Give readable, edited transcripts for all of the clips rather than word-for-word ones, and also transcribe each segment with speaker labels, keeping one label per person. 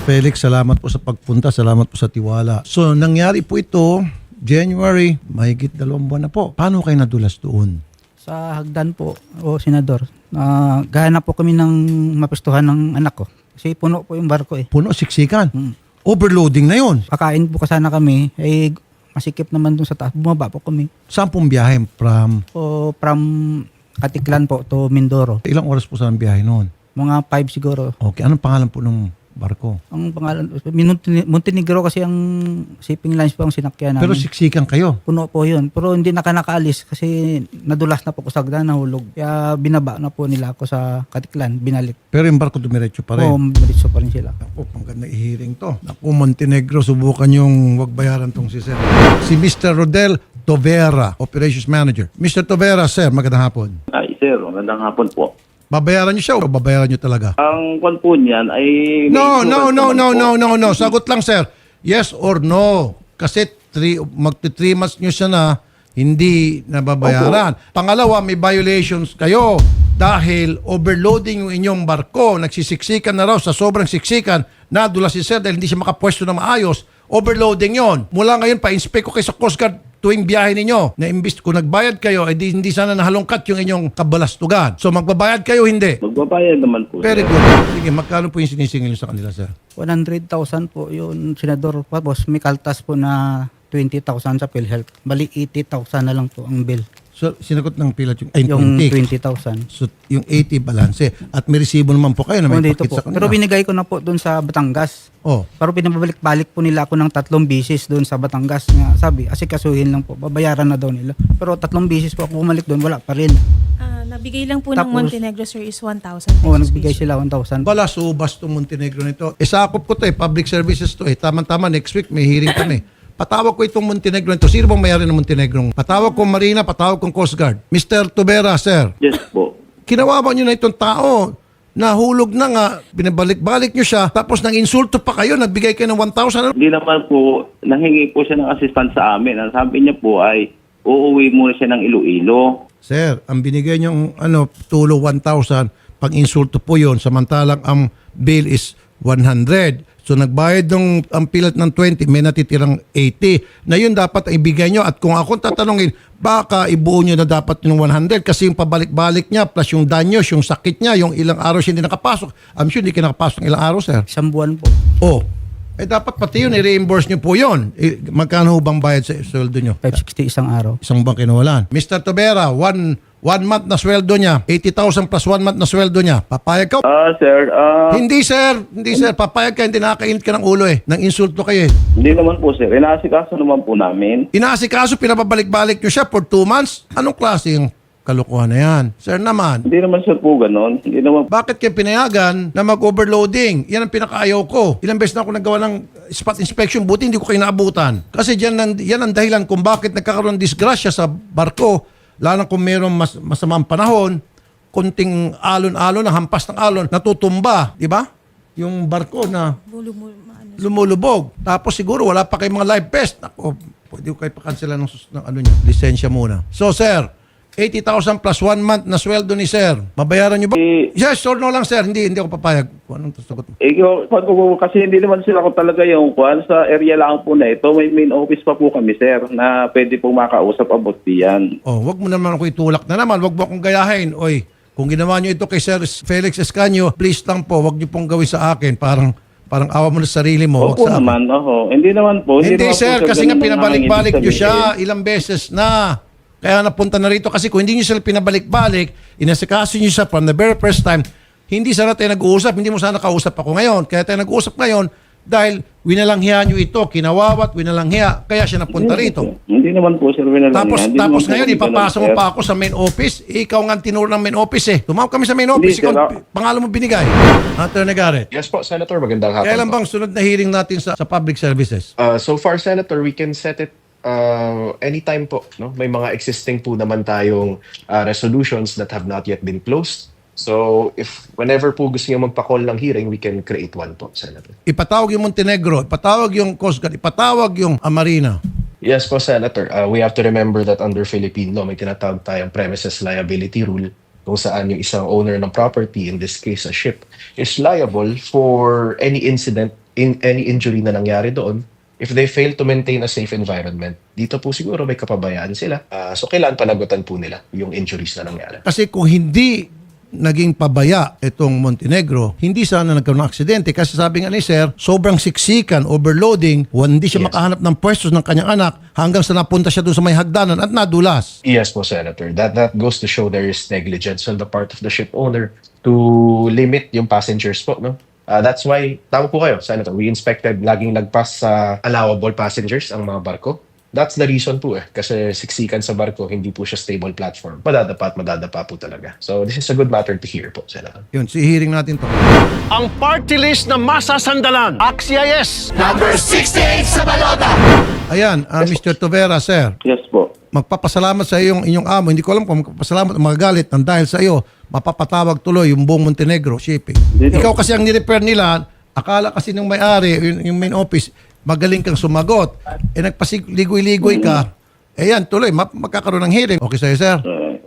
Speaker 1: Felix, salamat po sa pagpunta. Salamat po sa tiwala. So, nangyari po ito, January, mahigit 2 buwan na po. Paano kayo nadulas doon?
Speaker 2: Sa hagdan po, Senador, gahanap po kami ng mapistuhan ng anak ko. Kasi puno po yung barko eh.
Speaker 1: Puno, siksikan. Overloading na yun.
Speaker 2: Kakain po kasana kami, masikip naman dun sa taas. Bumaba po kami.
Speaker 1: Saan pong biyahe?
Speaker 2: From Katiklan po to Mindoro.
Speaker 1: Ilang oras po saan biyahe noon?
Speaker 2: Mga 5 siguro.
Speaker 1: Okay, anong pangalan po ng barko?
Speaker 2: Ang pangalan, Montenegro kasi ang shipping lines po ang sinakyan namin.
Speaker 1: Pero siksikan kayo.
Speaker 2: Puno po yun. Pero hindi nakaalis kasi nadulas na po ko sa hagdan, nahulog. Kaya binaba na po nila ako sa Katiklan, binalik.
Speaker 1: Pero yung barko dumiretso pa rin.
Speaker 2: Oo, diretso pa rin sila.
Speaker 1: Ako, pang ganda i-hearing to. Ako, Montenegro, subukan yung wag bayaran tong si Sir. Si Mr. Rodel Tovera, Operations Manager. Mr. Tovera, Sir, magandang hapon.
Speaker 3: Ay, sir, magandang hapon po.
Speaker 1: Babayaran niyo siya o babayaran niyo talaga?
Speaker 3: Ang kwan po niyan ay...
Speaker 1: No.
Speaker 3: po.
Speaker 1: Sagot lang, sir. Yes or no? Kasi magti 3 months nyo siya na hindi nababayaran. Pangalawa, may violations kayo dahil overloading yung inyong barko. Nagsisiksikan na raw sa sobrang siksikan. Nadula si sir dahil hindi siya makapwesto na maayos. Overloading yon. Mula ngayon, pa-inspect ko kayo sa Coast Guard tuwing biyahe ninyo. Na imbis kung nagbayad kayo, hindi sana nahalongkat yung inyong kabalastugan. So magbabayad kayo, hindi?
Speaker 3: Magbabayad naman po,
Speaker 1: Very
Speaker 3: sir.
Speaker 1: good. Sige, magkano po yung sinisingil nyo sa kanila, sir?
Speaker 2: 100,000 po yun, Senador. Tapos may kaltas po na 20,000 sa PhilHealth. Bali 80,000 na lang po ang bill.
Speaker 1: So, sinagot ng pilat yung
Speaker 2: Yung
Speaker 1: 20.
Speaker 2: 20,000.
Speaker 1: So, yung 80 balance. At may resibo naman po kayo na may
Speaker 2: Dito
Speaker 1: pakit
Speaker 2: po.
Speaker 1: sa kanila.
Speaker 2: Pero binigay ko na po doon sa Batangas.
Speaker 1: Oh,
Speaker 2: Pero pinabalik-balik po nila ako ng 3 bisis doon sa Batangas. Nga, sabi, asikasuhin lang po. Babayaran na daw nila. Pero 3 bisis po ako bumalik doon, wala pa rin.
Speaker 4: Nabigay lang po ng
Speaker 2: Tapos-
Speaker 4: Montenegro, sir, is 1,000
Speaker 2: Oo,
Speaker 4: pesos.
Speaker 2: nagbigay sila 1,000.
Speaker 1: bala, subas itong Montenegro nito. Sakop ko to public services to Tama-tama, next week may hearing kami. Patawag ko itong Montenegro nito. Sino bang mayari ng Montenegro? Patawag ko Marina, patawag ko Coast Guard. Mr. Tubera, sir.
Speaker 3: Yes po.
Speaker 1: Kinawawa nyo na itong tao. Nahulog na nga, binabalik-balik nyo siya, tapos nang insulto pa kayo, nagbigay kayo ng 1,000.
Speaker 3: Hindi naman po, nanghingi po siya ng assistance sa amin. Ang sabi niya po ay, uuwi muna siya ng Iloilo.
Speaker 1: Sir, ang binigay niyong tulo 1,000, pang insulto po yon, samantalang ang bill is 100. So nagbayad ng ang pilat ng 20, may natitirang 80. Na yun dapat ibigay nyo. At kung akong tatanungin, baka ibuo nyo na dapat yung 100 kasi yung pabalik-balik niya plus yung danyos, yung sakit niya, yung ilang araw siya hindi nakapasok. I'm sure hindi ka nakapasok ng ilang araw, sir.
Speaker 2: 1 buwan po.
Speaker 1: Oh, dapat pati yun, i-reimburse nyo po yun. Magkano ho bang bayad sa sweldo nyo?
Speaker 2: 560 isang araw.
Speaker 1: Isang buwan kinuwalan. Mr. Tobera, one month na sweldo niya, 80,000 plus 1 month na sweldo niya. Papayag ka?
Speaker 3: Sir,
Speaker 1: Hindi sir. Papayag ka, hindi nakakainit ka ng ulo Nang insulto kayo
Speaker 3: hindi naman po, sir. Inaasikaso naman po namin.
Speaker 1: Inaasikaso, pinababalik-balik nyo siya for 2 months. Anong klaseng kalukuhan na yan? Sir naman,
Speaker 3: Hindi naman, sir, po ganon. Hindi naman.
Speaker 1: bakit kayo pinayagan na mag-overloading? Yan ang pinakaayaw ko. Ilang beses na ako nagawa ng spot inspection, buti hindi ko kayo naabutan. Kasi yan ang dahilan kung bakit nagkakaroon ng disgrasya sa barko, lalo kung mayroong masamang panahon, kunting alon-alon, hampas ng alon, natutumba, di ba? Yung barko na lumulubog. Tapos siguro wala pa kayong mga live vest. Ako, pwede ko kayo pa-cancela ng lisensya muna. So sir, 80,000 plus 1 month na sweldo ni sir. Mabayaran nyo ba? Yes or no lang sir. Hindi ako papayag. Kung anong sagot mo?
Speaker 3: Kasi hindi naman sila ko talaga yung kwan. Sa area lang po na ito, may main office pa po kami, sir, na pwede pong makausap about diyan.
Speaker 1: Oh, wag mo naman ako itulak na naman. Wag mo akong gayahin. Oy, kung ginawa nyo ito kay Sir Felix Escanio, please lang po, wag nyo pong gawin sa akin. Parang awa mo na sa sarili mo. Wag
Speaker 3: Opo
Speaker 1: sa akin.
Speaker 3: naman, Hindi naman po.
Speaker 1: Hindi
Speaker 3: naman po,
Speaker 1: sir, kasi nga
Speaker 3: ganun ang
Speaker 1: pinabalik-balik
Speaker 3: nangingin
Speaker 1: nyo siya
Speaker 3: sabihin.
Speaker 1: ilang beses na. Kaya napunta na rito kasi kung hindi nyo sila pinabalik-balik, inasikaso nyo siya from the very first time, hindi sana tayo nag-uusap, hindi mo sana kausap ako ngayon. Kaya tayo nag-uusap ngayon dahil winalanghiya nyo ito, kinawawat, winalanghiya, kaya siya napunta rito.
Speaker 3: Hindi naman po, sir.
Speaker 1: Tapos ngayon, ipapasok mo pa ako sa main office. Ikaw nga ang tinuro ng main office Tumawag kami sa main office.
Speaker 3: Hindi,
Speaker 1: Ikaw, pangalan mo binigay. Attorney Garrett.
Speaker 5: Yes po, Senator. Magandang hapon
Speaker 1: Kailan
Speaker 5: po.
Speaker 1: bang sunod na hearing natin sa public services?
Speaker 5: So far, Senator, we can set it anytime po. No? May mga existing po naman tayong resolutions that have not yet been closed. So if whenever po gusto niyo magpa-call ng hearing, we can create one po, Senator.
Speaker 1: Ipatawag yung Montenegro, ipatawag yung Coast Guard, ipatawag yung Marina.
Speaker 5: Yes po, Senator. We have to remember that under Philippine law, may tinatawag tayong premises liability rule kung saan yung isang owner ng property, in this case a ship, is liable for any incident any injury na nangyari doon, if they fail to maintain a safe environment, dito po siguro may kapabayaan sila. So kailangan panagutan po nila yung injuries na nangyari.
Speaker 1: Kasi kung hindi naging pabaya itong Montenegro, hindi sana nagkaroon ng aksidente. Kasi sabi nga ni Sir, sobrang siksikan, overloading, hindi siya
Speaker 5: Yes.
Speaker 1: makahanap ng pwesto ng kanyang anak hanggang sa napunta siya doon sa may hagdanan at nadulas.
Speaker 5: Yes po, Senator. That goes to show there is negligence on the part of the ship owner to limit yung passengers po, no? That's why, tama po kayo, Senator. We inspected, laging nagpas sa allowable passengers ang mga barko. That's the reason po kasi siksikan sa barko, hindi po siya stable platform. Madadapa at madadapa po talaga. So this is a good matter to hear po, Senator.
Speaker 1: Yun, sihiring natin to.
Speaker 6: Ang party list na masasandalan. Axia yes.
Speaker 1: Ayan, Mr. Tovera, Sir.
Speaker 3: Yes po.
Speaker 1: Magpapasalamat sa inyong amo. Hindi ko alam kung magpapasalamat o magagalit nang dahil sa iyo, mapapatawag tuloy yung buong Montenegro shipping.
Speaker 3: Dito.
Speaker 1: Ikaw kasi ang nirepair nila, akala kasi ng may-ari, yung main office, magaling kang sumagot. Nagpasiligoy-ligoy ka. Yan, tuloy, magkakaroon ng hearing. Okay sa'yo, sir?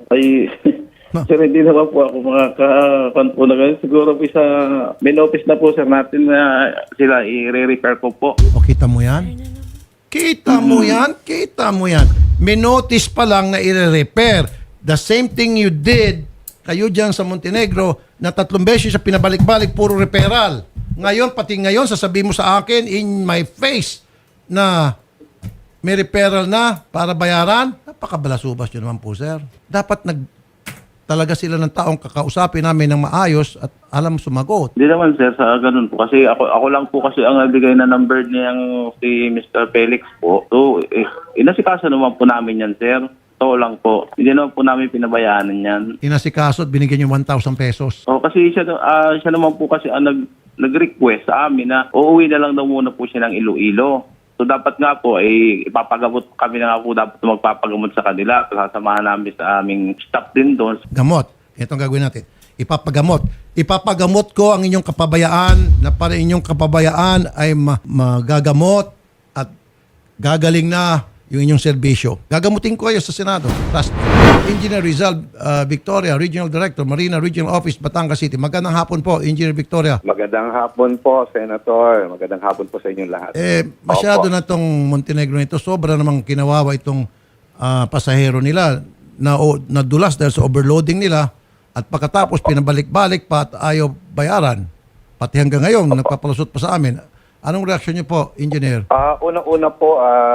Speaker 3: Sir, hindi naman po ako makakakuan po na ganyan. Siguro po sa main office na po, sir, natin na sila i-repair ko po.
Speaker 1: O, kita mo yan? Kita mo yan? Kita mo yan. May notice pa lang na i-repair. The same thing you did, kayo dyan sa Montenegro, na 3 beses siya pinabalik-balik, puro reparal. Ngayon, pati ngayon, sasabihin mo sa akin in my face na may referral na para bayaran. Napakabalasubas yun naman po, sir. Dapat talaga sila ng taong kakausapin namin ng maayos at alam sumagot.
Speaker 3: Hindi naman, sir, sa ganun po. Kasi ako lang po kasi ang nagbigay na number niyang si Mr. Felix po. So, inasikaso naman po namin yan, sir. Ito lang po. Hindi naman po namin pinabayaanan yan.
Speaker 1: Inasikaso at binigyan yung 1,000 pesos.
Speaker 3: O, kasi siya naman po kasi ang nag-request sa amin na uuwi na lang daw muna po siya ng Iloilo. So dapat nga po ipapagamot kami na nga po dapat magpapagamot sa kanila. Sasamahan namin sa aming staff din doon.
Speaker 1: Gamot. Ito ang gagawin natin. Ipapagamot. Ipapagamot ko ang inyong kapabayaan na para inyong kapabayaan ay magagamot at gagaling na yung inyong serbisyo. Gagamutin ko kayo sa Senado. Trust me. Engineer Rizal Victoria, Regional Director, Marina Regional Office, Batangas City. Magandang hapon po, Engineer Victoria.
Speaker 7: Magandang hapon po, Senator. Magandang hapon po sa inyong lahat.
Speaker 1: Masyado
Speaker 7: Opo.
Speaker 1: na itong Montenegro nito. Sobra namang kinawawa itong pasahero nila na nadulas dahil sa overloading nila at pagkatapos pinabalik-balik pa at ayaw bayaran. Pati hanggang ngayon, nagpapalusot pa sa amin. Anong reaksyon niyo po, Engineer?
Speaker 7: Unang-una po,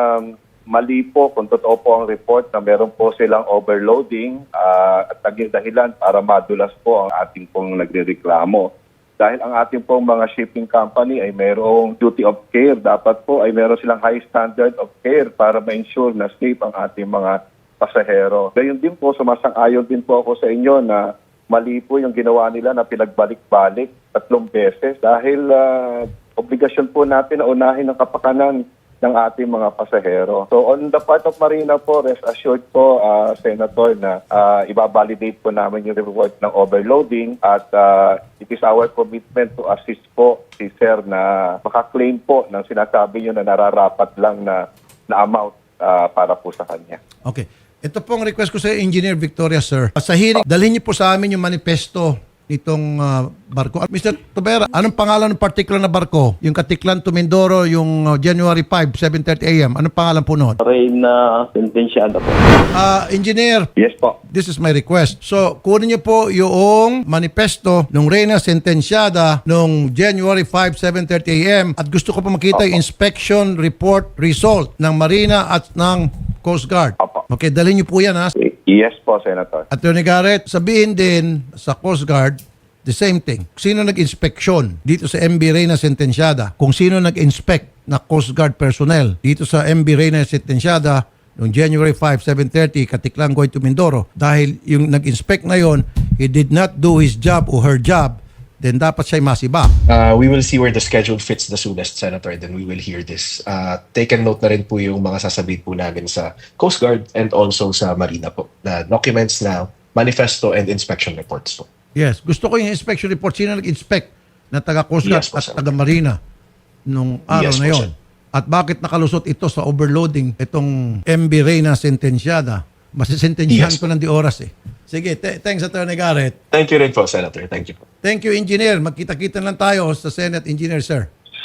Speaker 7: mali po kung totoo po ang report na meron po silang overloading at naging dahilan para madulas po ang ating pong nagrereklamo. Dahil ang ating pong mga shipping company ay mayroong duty of care. Dapat po ay meron silang high standard of care para ma-ensure na safe ang ating mga pasahero. Gayon din po, sumasang-ayon din po ako sa inyo na mali po yung ginawa nila na pinagbalik-balik 3 beses dahil obligasyon po natin na unahin ang kapakanan ng ating mga pasahero. So on the part of Marina po, rest assured po, Senator, na ibabalidate po namin yung report ng overloading at it is our commitment to assist po si Sir na makaklaim po ng sinasabi nyo na nararapat lang na amount para po sa kanya.
Speaker 1: Okay. Ito pong request ko sa Engineer Victoria, sir. Sa hearing, dalhin niyo po sa amin yung manifesto nitong barko. Mr. Tovera, anong pangalan ng particular na barko? Yung Katiklan to Mindoro, yung January 5, 7:30 a.m. Anong pangalan po noon?
Speaker 3: Reyna Sentenciada po.
Speaker 1: Engineer,
Speaker 7: Yes po.
Speaker 1: this is my request. So, kunin niyo po yung manifesto ng Reyna Sentenciada noong January 5, 7:30 a.m. At gusto ko pa makita yung inspection report result ng Marina at ng Coast Guard.
Speaker 7: Opo.
Speaker 1: Okay, dalhin niyo po yan, ha?
Speaker 7: Yes po, Senator.
Speaker 1: Attorney Garrett, sabihin din sa Coast Guard, the same thing. Sino nag-inspeksyon dito sa MB Reyna Sentenciada? Kung sino nag-inspect na Coast Guard personnel dito sa MB Reyna Sentenciada noong January 5, 7:30, Katiklan going to Mindoro. Dahil yung nag-inspect na yon, he did not do his job or her job, then dapat siya'y masiba.
Speaker 5: We will see where the schedule fits the soonest, Senator, then we will hear this. Taken note na rin po yung mga sasabihin po namin sa Coast Guard and also sa Marina po, na documents na manifesto and inspection reports po.
Speaker 1: Yes. Gusto ko yung inspection report. Sino nag-inspect na taga Coast Guard
Speaker 5: Yes po,
Speaker 1: at
Speaker 5: sir.
Speaker 1: taga Marina nung araw
Speaker 5: Yes
Speaker 1: na
Speaker 5: po,
Speaker 1: yon?
Speaker 5: sir.
Speaker 1: At bakit nakalusot ito sa overloading itong MB Reyna Sentenciada? Masisentensyahan
Speaker 5: Yes.
Speaker 1: ko ng di oras eh. Sige, thanks Attorney Garrett.
Speaker 5: Thank you rin po, Senator. Thank you po.
Speaker 1: Thank you, Engineer. Magkita-kita lang tayo sa Senate, Engineer, sir.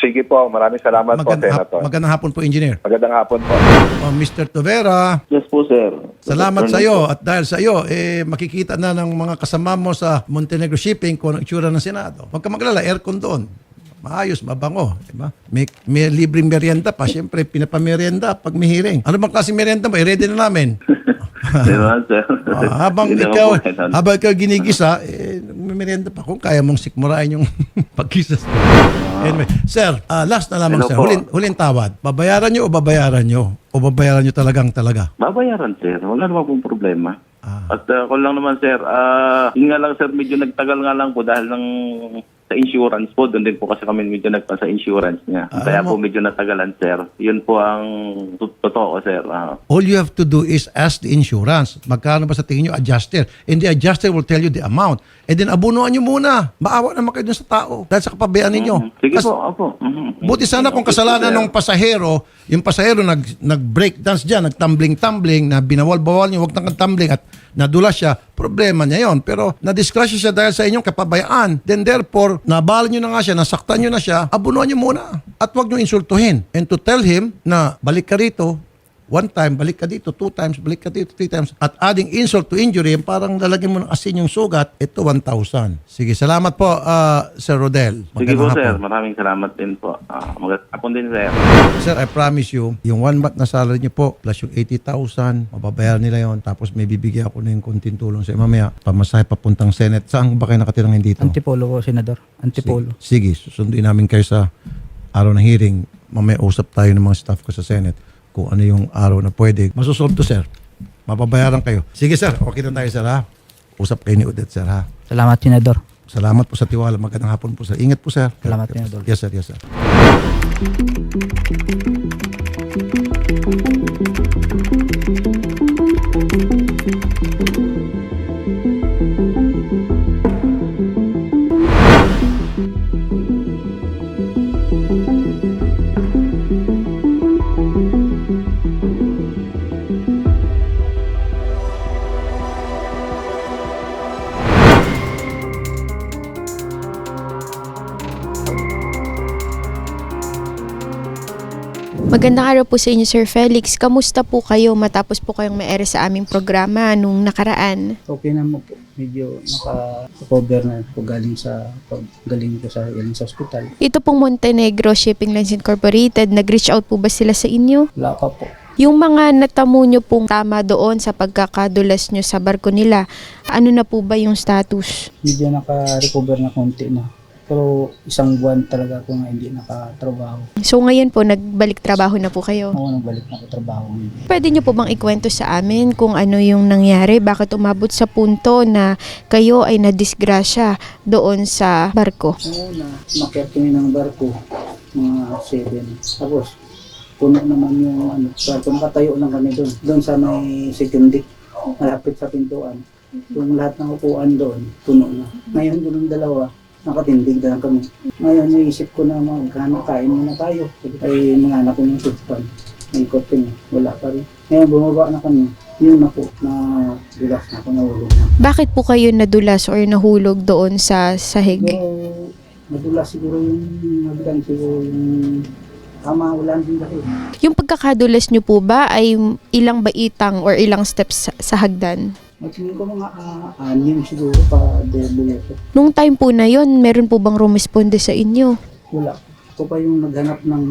Speaker 7: Sige po, maraming salamat po, Senator.
Speaker 1: Magandang hapon po, Engineer.
Speaker 7: Magandang hapon po.
Speaker 1: Mr. Tovera,
Speaker 3: Yes po, sir.
Speaker 1: salamat sa iyo at dahil sa iyo makikita na ng mga kasama mo sa Montenegro Shipping kung ang itsura ng Senado. Huwag ka maglala, aircon doon. Maayos, mabango, di ba? May libreng merienda pa, siyempre pinapamerienda pag may hearing. Ano bang klaseng merienda mo? I-ready na namin.
Speaker 3: Di ba, sir?
Speaker 1: habang
Speaker 3: Hindi
Speaker 1: ikaw
Speaker 3: naman po,
Speaker 1: habang ikaw ginigisa, may merienda pa kung kaya mong sikmurain yung pagkisa. Anyway, sir, last na lamang
Speaker 3: Hello
Speaker 1: sir.
Speaker 3: po.
Speaker 1: Huling tawad. Babayaran nyo o babayaran nyo? O babayaran nyo talaga?
Speaker 3: Babayaran, sir. Wala naman pong problema. At ako lang naman, sir, yun nga lang, sir, medyo nagtagal nga lang po dahil ng sa insurance po. Doon din po kasi kami medyo nagpa sa insurance niya. Kaya po medyo natagalan, sir. Yun po ang totoo, sir.
Speaker 1: All you have to do is ask the insurance. Magkano ba sa tingin nyo adjuster? And the adjuster will tell you the amount. And then abunuan nyo muna. Maawa naman kayo dun sa tao. Dahil sa kapabayaan ninyo.
Speaker 3: Sige
Speaker 1: Kas-
Speaker 3: po, opo.
Speaker 1: Buti sana kung kasalanan ng pasahero, yung pasahero nag-breakdance dyan, nagtumbling-tumbling, na binawal-bawal niyo, huwag nang tumbling at nadulas siya, problema niya yon. Pero nadisgrasya siya dahil sa inyong kapabayaan. Then therefore, nabala niyo na nga siya, nasaktan niyo na siya, abunuan niyo muna. At huwag niyo insultuhin. And to tell him na balik ka rito, 1 time, balik ka dito, 2 times, balik ka dito, 3 times. At adding insult to injury, parang lalagyan mo ng asin yung sugat, ito 1,000. Sige, salamat po, Sir Rodel.
Speaker 3: Sige po,
Speaker 1: Magandang
Speaker 3: sir.
Speaker 1: hapon.
Speaker 3: Maraming salamat din po. Magandang hapon din, sir.
Speaker 1: Sir, I promise you, yung 1 month na salary niyo po, plus yung 80,000, mababayaran nila yon. Tapos may bibigyan ako ng konting tulong sa mamaya, pamasahe papuntang Senate. Saan ba kayo nakatirang dito?
Speaker 2: Antipolo po, Senador. Antipolo.
Speaker 1: Sige, susunduin namin kayo sa araw ng hearing. Mamaya usap tayo ng mga staff ko sa Senate kung ano yung araw na pwede. Masusolve to, sir. Mababayaran kayo. Sige, sir. Okay na tayo, sir, ha? Usap kayo ni Odette, sir, ha?
Speaker 2: Salamat, Senador.
Speaker 1: Salamat po sa tiwala. Magandang hapon po, sir. Ingat po, sir.
Speaker 2: Salamat, Senador.
Speaker 1: Yes, sir. Yes, sir.
Speaker 8: Magandang araw po sa inyo, Sir Felix. Kamusta po kayo matapos po kayong may sa aming programa nung nakaraan?
Speaker 2: Okay naman po. Medyo naka-cover na po galing ko sa ospital.
Speaker 8: Ito pong Montenegro Shipping Lines Incorporated, nag-reach out po ba sila sa inyo?
Speaker 2: Wala pa po.
Speaker 8: Yung mga natamo nyo pong tama doon sa pagkakadulas nyo sa barko nila, ano na po ba yung status?
Speaker 2: Medyo naka-recover na konti na. Pero 1 buwan talaga ako nga hindi nakatrabaho.
Speaker 8: So ngayon po, nagbalik trabaho na po kayo.
Speaker 2: Ako nagbalik na ako trabaho.
Speaker 8: Pwede nyo po bang ikwento sa amin kung ano yung nangyari? Bakit umabot sa punto na kayo ay nadisgrasya doon sa barko?
Speaker 2: Una, makyat kami ng barko, mga 7. Tapos, puno naman yung barko. Nakatayo lang kami doon. Doon sa may second deck, malapit sa pintuan. Yung lahat ng upuan doon, puno na. Ngayon, doon ang dalawa, nakatindig na lang kami. Ngayon, naisip ko na kain muna tayo. Ay, mga anak ko yung tutpan. Naikot kami, wala pa rin. Ngayon, bumaba na kami. Yun na po, na dulas na ako, nahulog na.
Speaker 8: Bakit po kayo nadulas or nahulog doon sa sahig?
Speaker 2: Siguro, nadulas siguro yung nabilang siguro yung tama, wala din dahil.
Speaker 8: Yung pagkakadulas nyo po ba ay ilang baitang or ilang steps sa hagdan?
Speaker 2: Magtingin ko mga 6 siguro pa debuleto.
Speaker 8: Nung time po na yon, meron po bang rumisponde sa inyo?
Speaker 2: Wala. Ako pa yung naghanap ng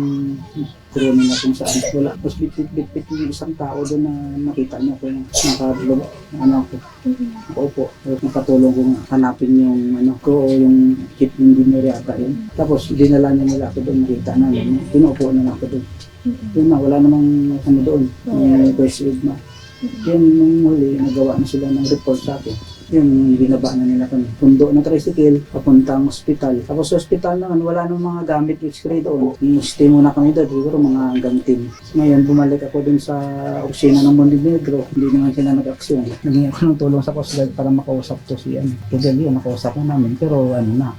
Speaker 2: kroni na kung saan. Wala. Tapos bit-bit yung isang tao doon na nakita niya ko yung nakadulog. Ako. Opo. Tapos nakatulong ko nga hanapin yung ko o yung kit engineer yata yun. Tapos dinala niya nila ako doon. Nakita namin. Pinuupo na ako doon. Yun na, wala namang doon. May first aid na. Yun, nung huli, nagawa na sila ng report sa akin. Yun, binaba na nila kami. Pundo na tricycle, papuntang ospital. Tapos sa ospital naman, wala nang mga gamit x-ray doon. I-stay muna kami doon, siguro mga hanggang 10. Ngayon, bumalik ako doon sa opisina ng Montenegro. Hindi naman sila nag-aksyon. Naging ako ng tulong sa Coast Guard para makausap to si Rodel. Yun, nakausap na namin. Pero mga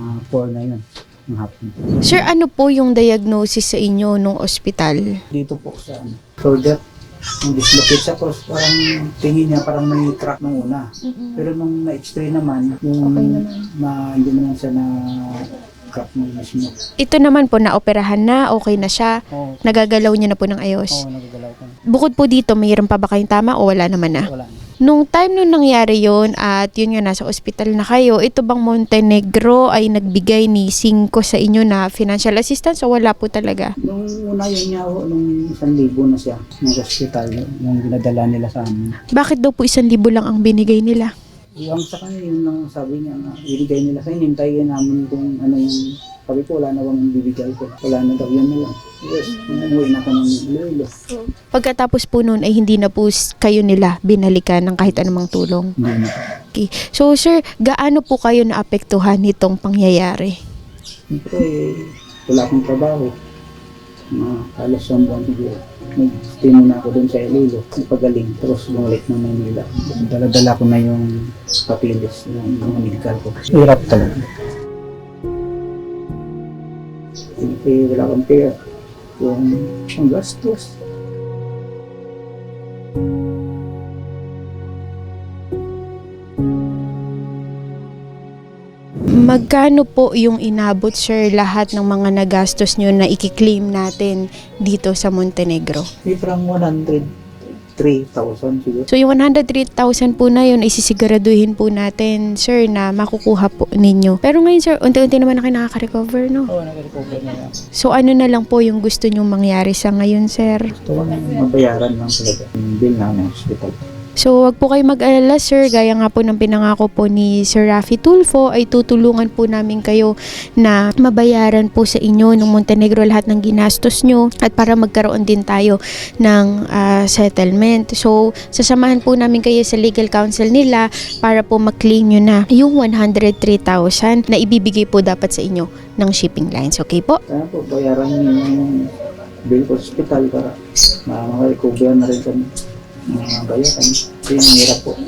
Speaker 2: 4 na yun. Ng hapon.
Speaker 8: Sir, ano po yung diagnosis sa inyo nung ospital?
Speaker 2: Dito po sa shoulder. Yung dislocate siya, tapos parang tingin niya parang may crack nung una. Pero nung na-x-ray naman, yung
Speaker 8: Okay naman.
Speaker 2: hindi naman siya na Crack mo mismo.
Speaker 8: Ito naman po, naoperahan na, okay na siya,
Speaker 2: Oo,
Speaker 8: nagagalaw niya na po ng ayos.
Speaker 2: nagagalaw ko.
Speaker 8: Bukod po dito, mayroon pa ba kayong tama o wala naman na?
Speaker 2: Wala na.
Speaker 8: Nung time nung nangyari yon at yun nga nasa ospital na kayo, ito bang Montenegro ay nagbigay ni 5 sa inyo na financial assistance o wala po talaga?
Speaker 2: Nung una yun niya ako, nung 1,000 na siya, ng hospital, nung dinadala nila sa amin.
Speaker 8: Bakit daw po 1,000 lang ang binigay nila?
Speaker 2: Yung sa kanya, yun lang sabi niya na ibigay nila sa inyo, hintayin namin kung ano yung, sabi ko wala na bang bibigay ko. Wala na daw, yun na lang. Yes, umuwi na ako ng Iloilo.
Speaker 8: Pagkatapos po noon ay hindi na po kayo nila binalikan ng kahit anumang tulong.
Speaker 2: Hindi na.
Speaker 8: Okay. So sir, gaano po kayo naapektuhan nitong pangyayari?
Speaker 2: Siyempre, wala akong trabaho. Halos 1 buwan siguro. Nag-stay muna ako doon sa Iloilo. Nagpagaling. Tapos bumalik na Manila. Dala-dala ko na yung papilis ng mga medical ko. Hirap talaga. Siyempre, wala akong pera. Yung gastos.
Speaker 8: Magkano po yung inabot sir lahat ng mga nagastos nyo na ikiklaim natin dito sa Montenegro?
Speaker 2: May parang 103,000 siguro.
Speaker 8: So yung 103,000 po na yun, isisiguraduhin po natin, sir, na makukuha po ninyo. Pero ngayon, sir, unti-unti naman na kayo nakaka-recover, no?
Speaker 2: Oo, nag-recover na yan.
Speaker 8: So ano na lang po yung gusto nyong mangyari sa ngayon, sir?
Speaker 2: Gusto ko mabayaran lang talaga yung bill namin sa hospital.
Speaker 8: So wag po kayo mag-alala, sir. Gaya nga po ng pinangako po ni Sir Raffy Tulfo, ay tutulungan po namin kayo na mabayaran po sa inyo ng Montenegro lahat ng ginastos nyo at para magkaroon din tayo ng settlement. So sasamahan po namin kayo sa legal counsel nila para po mag-claim nyo na yung 103,000 na ibibigay po dapat sa inyo ng shipping lines. Okay po?
Speaker 2: Kaya po, bayaran niyo yung bill ko sa hospital para maka-recover na rin kami. Mga bayaran. Ito yung hirap po.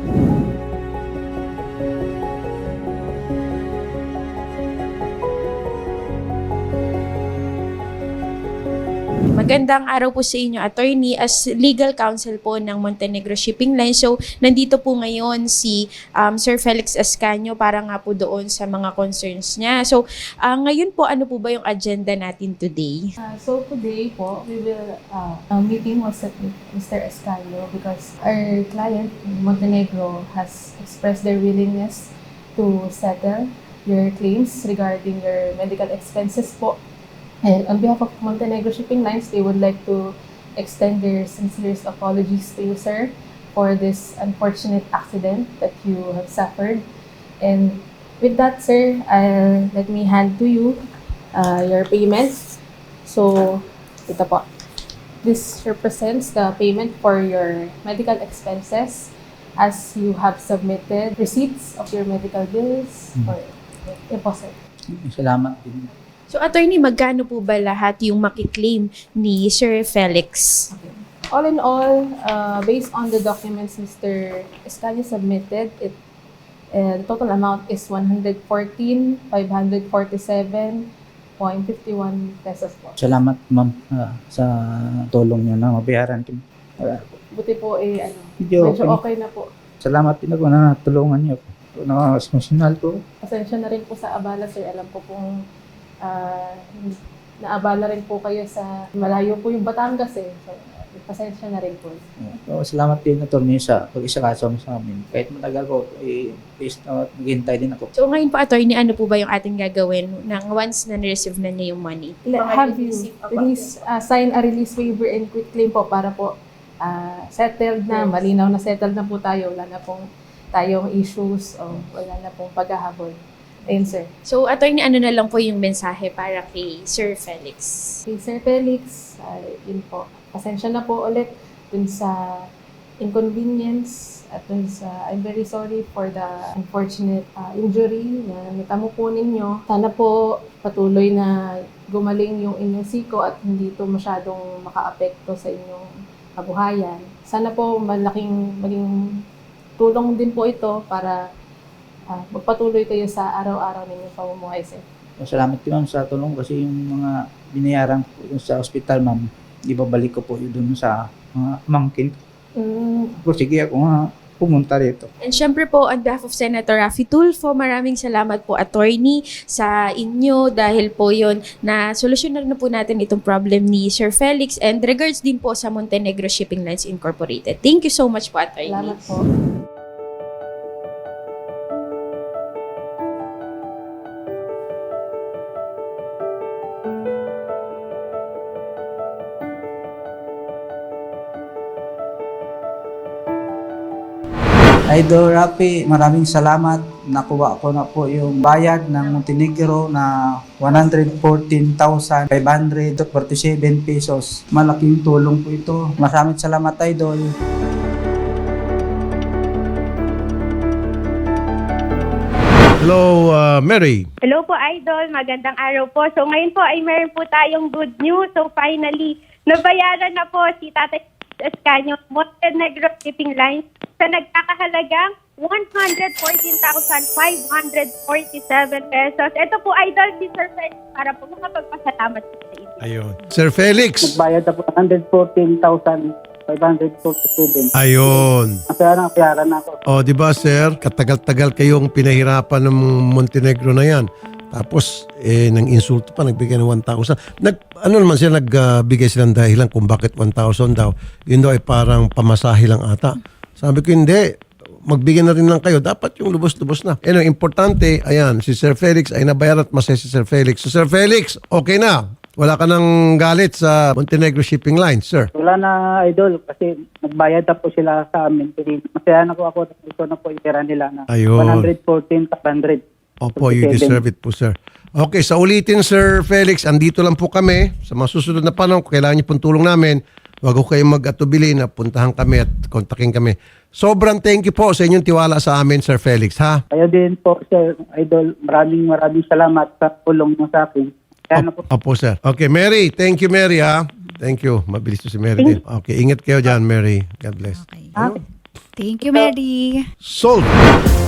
Speaker 8: Magandang araw po sa inyo, attorney. As legal counsel po ng Montenegro Shipping Line. So, nandito po ngayon si Sir Felix Ascanio para nga po doon sa mga concerns niya. So, ngayon po, ano po ba yung agenda natin today?
Speaker 4: So today po, we will meeting was set with Mr. Escalio because our client, Montenegro, has expressed their willingness to settle your claims regarding your medical expenses po. And on behalf of Montenegro Shipping Lines, they would like to extend their sincerest apologies to you, sir, for this unfortunate accident that you have suffered. And with that, sir, let me hand to you your payments. So, ito po. This represents the payment for your medical expenses as you have submitted receipts of your medical bills or deposit.
Speaker 2: Salamat din.
Speaker 8: So, attorney, magkano po ba lahat yung makiklaim ni Sir Felix?
Speaker 4: All in all, based on the documents Mr. Escalio submitted, the total amount is 114,547.51 pesos po.
Speaker 2: Salamat, ma'am, sa tulong niyo na mabayaran ko.
Speaker 4: Buti po
Speaker 2: Medyo
Speaker 4: medyo okay na po.
Speaker 2: Salamat din ako na tulungan niyo. Emotional ko.
Speaker 4: Pasensya na rin po sa abala, sir. Alam ko pong naabala rin po kayo sa malayo po yung Batangas eh. So, pasensya na rin po.
Speaker 2: Salamat din na tulong niyo sa pag-isakaso mo sa amin. Kahit matagal ko, please maghintay din ako.
Speaker 8: So, ngayon po, attorney, ano po ba yung ating gagawin nang once na na-receive na niya yung money?
Speaker 4: Have you sign a release waiver and quit claim po para po settled na, malinaw na settled na po tayo. Wala na pong tayong issues o wala na pong paghahabol. Ayun, sir.
Speaker 8: So, attorney, ano na lang po yung mensahe para kay Sir Felix?
Speaker 4: Kay Sir Felix, yun po. Pasensya na po ulit dun sa inconvenience at dun sa I'm very sorry for the unfortunate injury na natamo po ninyo. Sana po patuloy na gumaling yung inyong siko at hindi ito masyadong makaapekto sa inyong kabuhayan. Sana po maging tulong din po ito para magpatuloy kayo sa araw-araw ninyong pamumuhay, sir.
Speaker 2: Salamat din, ma'am, sa tulong kasi yung mga binayaran ko dun sa ospital, ma'am, ibabalik ko po yun dun sa mga mangkin. Sige ako nga, pumunta rito.
Speaker 8: And syempre po, on behalf of Senator Raffy Tulfo, maraming salamat po, attorney, sa inyo dahil po yon na solusyonan na po natin itong problem ni Sir Felix and regards din po sa Montenegro Shipping Lines Incorporated. Thank you so much po, attorney.
Speaker 4: Salamat po.
Speaker 2: Idol Rafi, maraming salamat. Nakuha ko na po yung bayad ng Montenegro na 114,547 pesos. Malaking tulong po ito. Maraming salamat, Idol.
Speaker 1: Hello, Mary.
Speaker 9: Hello po, Idol. Magandang araw po. So ngayon po ay meron po tayong good news. So finally, nabayaran na po si Tatay Escanio Montenegro Shipping Lines sa nagkakahalagang 114,547 pesos. Ito po, Idol, si Sir Felix para po makapagpasalamat po sa inyo.
Speaker 1: Ayun. Sir Felix.
Speaker 2: Nagbayad na po 114,547.
Speaker 1: Ayun.
Speaker 2: Kaya nakiyaran na ako.
Speaker 1: O, di ba, sir? Katagal-tagal kayong pinahirapan ng Montenegro na yan. Tapos, nang insulto pa, nagbigay ng 1,000. Ano naman sila, nagbigay silang dahilan kung bakit 1,000 daw. Yun daw ay parang pamasahe lang ata. Sabi ko, hindi. Magbigay na rin lang kayo. Dapat yung lubos-lubos na. Importante, ayan, si Sir Felix ay nabayaran at masaya si Sir Felix. So, Sir Felix, okay na. Wala ka nang galit sa Montenegro Shipping Lines, sir.
Speaker 2: Wala na, Idol, kasi nagbayad na po sila sa amin. Masaya na po ako. Gusto na po yung pera nila na
Speaker 1: Ayun.
Speaker 2: 114,500.
Speaker 1: Opo, you deserve it po, sir. Okay, sa ulitin, Sir Felix, andito lang po kami. Sa mga susunod na panahon, kung kailangan niyo pong tulong namin, wag ko kayong mag-atubili na puntahan kami at kontakin kami. Sobrang thank you po sa inyong tiwala sa amin, Sir Felix, ha?
Speaker 2: Kaya din po, Sir Idol, maraming salamat sa tulong mo sa akin. Kaya na po.
Speaker 1: Opo, sir. Okay, Mary. Thank you, Mary, ha? Thank you. Mabilis to si Mary din. Okay, ingat kayo dyan, Mary. God bless.
Speaker 10: Thank you, Mary.
Speaker 1: Sold!